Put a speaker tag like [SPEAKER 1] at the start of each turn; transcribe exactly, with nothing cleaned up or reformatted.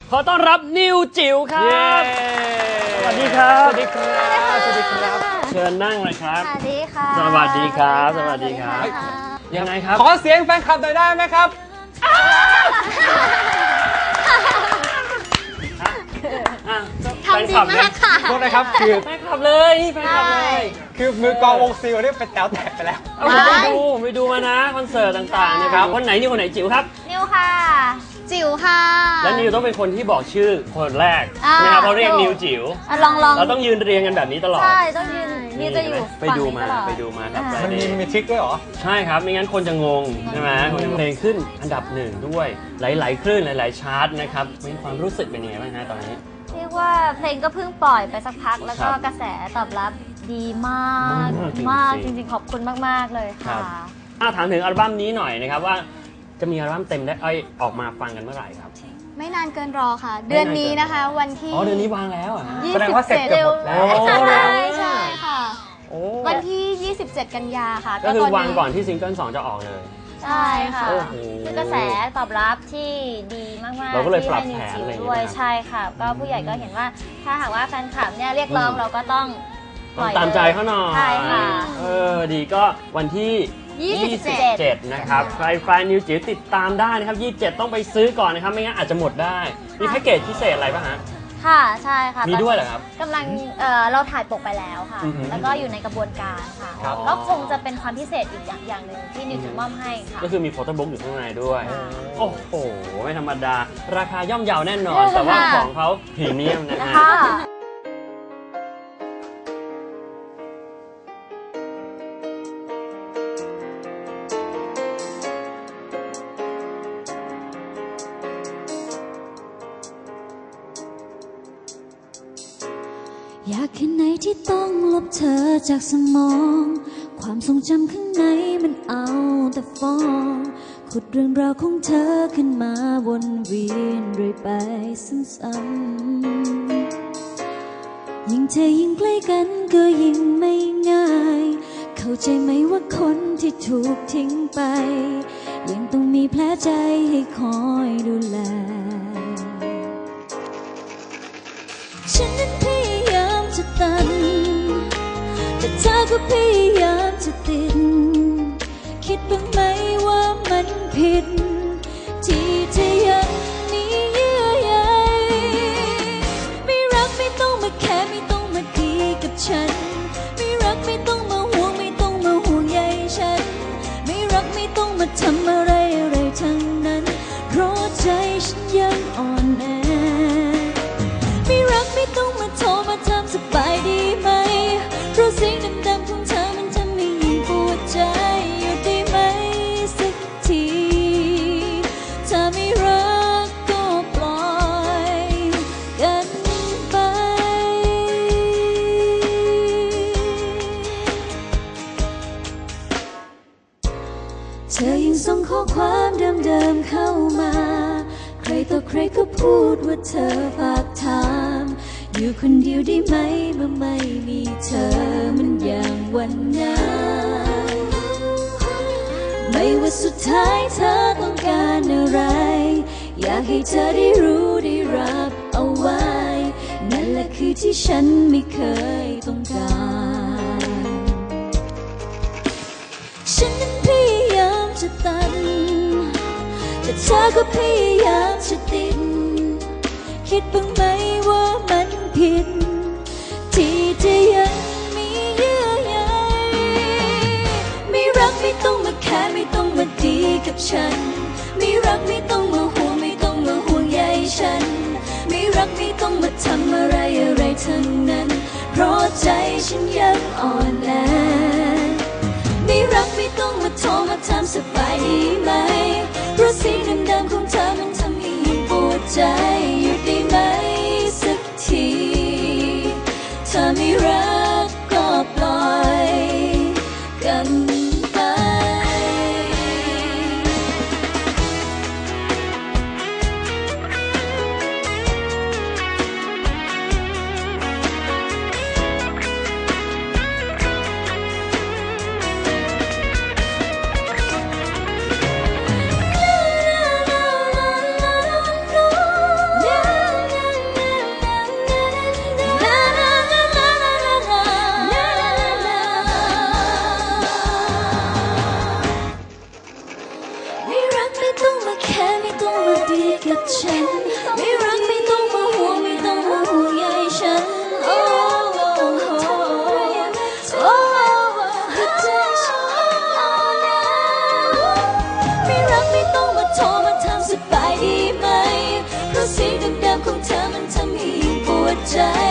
[SPEAKER 1] ขอต้อนรับนิวจิ๋วครับสวัสดีครับสวัสดีครับสวัสดีครับเชิญนั่งเลยครับสวัสดีค่ะสวัสดีครับสวัสดีครับยังไงครับ
[SPEAKER 2] ขอเสียงแฟนคลับหน่อยได้ไหมครับ
[SPEAKER 3] ทำดีมากค่ะ
[SPEAKER 2] โทษนะครับคือ
[SPEAKER 1] แฟนคลับเลยนี่แฟนคลับเลย
[SPEAKER 2] คือมือกองวงซิลนี่เป็นแถวแตกไปแล้ว
[SPEAKER 1] ผมไปดูไปดูมานะคอนเสิร์ตต่างๆเนี่ยครับคนไหนนิวคนไหนจิ๋วครับ
[SPEAKER 3] นิวค่ะจิ๋วค่ะ
[SPEAKER 1] แล้วนิวต้องเป็นคนที่บอกชื่อคนแรกนะครับเพราะเรียกนิวจิ๋ว
[SPEAKER 3] ลองลอง
[SPEAKER 1] เราต้องยืนเรียงกันแบบนี้ตลอด
[SPEAKER 3] ใช่ต้องยืนนี่จะอยู่
[SPEAKER 1] ไปดูมาไปดูมาครับ
[SPEAKER 2] มันมีมีทริคด้วยเหรอ
[SPEAKER 1] ใช่ครับไม่งั้นคนจะงงใช่ไหมเพลงขึ้นอันดับหนึ่งด้วยหลายๆคลื่นหลายๆชาร์ตนะครับมีความรู้สึกเป็นยังไงบ้างฮะตอนนี้
[SPEAKER 3] เรียกว่าเพลงก็เพิ่งปล่อยไปสักพักแล้วก็กระแสตอบรับดีมากมากจริงๆขอบคุณมากๆเลยค่ะ
[SPEAKER 1] ถามถึงอัลบั้มนี้หน่อยนะครับว่าจะมีอัลบั้มเต็มได้ออกมาฟังกันเมื่อไหร่ครับ
[SPEAKER 3] ไม่นานเกินรอค่ะเดือนนี้นะคะวันที่
[SPEAKER 1] อ๋อเดือนนี้วางแล้วอ่ะ
[SPEAKER 2] แสดงว่าเสร็จเกือบหมดแล้ว
[SPEAKER 3] ใช่ใช่ค่ะวันที่ยี่สิบเจ็ดกันยาค่ะ
[SPEAKER 1] ก็คือวางก่อนที่ซิงเกิลสองจะออกเลย
[SPEAKER 3] ใช่ค่ะคือกระแสตอบรับที่ดีมากๆ
[SPEAKER 1] เราก็เลยปรับแผน
[SPEAKER 3] ด้วยใช่ค่ะก็ผู้ใหญ่ก็เห็นว่าถ้าหากว่าแฟนคลับเนี่ยเรียกร้องเราก็ต้อง
[SPEAKER 1] ตามใจเขาหน่อย
[SPEAKER 3] ใช่ค่ะ
[SPEAKER 1] เออดีก็วันที่ยี่สิบเจ็ดนะครับใครแฟนนิวจิ๋วติดตามได้นะครับยี่สิบเจ็ดต้องไปซื้อก่อนนะครับไม่งั้นอาจจะหมดได้มีแพ็กเกจพิเศษอะไรป่ะฮะ
[SPEAKER 3] ค่ะใช่ค่ะ
[SPEAKER 1] มีด้วยเหรอครับ
[SPEAKER 3] กำลังเราถ่ายปกไปแล้วค่ะแล้วก็อยู่ในกระบวนการค่ะก็คงจะเป็นความพิเศษอีกอย่างหนึ่งที่นิวจะมอบให้ค่ะ
[SPEAKER 1] ก็คือมีโฟโต้บุ๊กอยู่ข้างในด้วยโอ้โหไม่ธรรมดาราคาย่อมเยาแน่นอนแต่ว่าของเขาพรีเมียมนะฮะ
[SPEAKER 4] อยากแค่ไหนที่ต้องลบเธอจากสมองความทรงจำข้างในมันเอาแต่ฟ้องขุดเรื่องราวของเธอขึ้นมาวนเวียนเรื่อยไปซ้ำๆยิ่งเธอยิ่งใกล้กันก็ยิ่งไม่ง่ายเข้าใจไหมว่าคนที่ถูกทิ้งไปยังต้องมีแผลใจให้คอยดูแลฉันนั้นพยายามจะตันแต่เธอก็พยายามจะติดคิดบ้างไหมว่ามันผิดที่เธอยังมีเยื่อใยไม่รักไม่ต้องมาแค่ไม่ต้องมาดีกับฉันไม่รักไม่ต้องมาห่วงไม่ต้องมาห่วงใยฉันไม่รักไม่ต้องมาทำอะไรอะไรทั้งนั้นเพราะใจฉันยังอ่อนแอไม่รักไม่ต้องมาโทรมาถามสบายดีไหมเพราะเสียงดำๆของเธอมันทำให้ยิ่งปวดใจอยู่ได้ไหมสักทีถ้าไม่รักก็ปล่อยกันไปเธอยังส่งข้อความเดิมๆเข้ามาใครต่อใครก็พูดว่าเธอฝากถามอยู่คนเดียวได้ไหมเมื่อไม่มีเธอมันอย่างวันนั้นไม่ว่าสุดท้ายเธอต้องการอะไรอยากให้เธอได้รู้ได้รับเอาไว้นั่นแหละคือที่ฉันไม่เคยต้องการฉันนั้นพยายามจะตันแต่เธอก็พยายามจะติดคิดบ้างไหมว่ามันผิดที่เธอยังมีเยื่อใยไม่รักไม่ต้องมาแค่ไม่ต้องมาดีกับฉันไม่รักไม่ต้องมาห่วงไม่ต้องมาห่วงใยฉันไม่รักไม่ต้องมาทำอะไรอะไรทั้งนั้นเพราะใจฉันยังอ่อนแอไม่รักไม่ต้องมาโทรมาถามสบายดีไหมเพราะเสียงเดิมๆของเธอมันทำให้ยิ่งปวดใจอยู่ได้ไหมสักทีถ้าไม่รักก็ปล่อยกันไปกับฉันไม่รักไม่ต้องมาห่วงไม่ต้องมาห่วงใยฉันโอ้โอ้โอ้โอ้หัวใจฉันไม่รักไม่ต้องมาโทรมาถามสบายดีไหมเพราะเสียงเดิมๆของเธอมันทำให้ยิ่งปวดใจ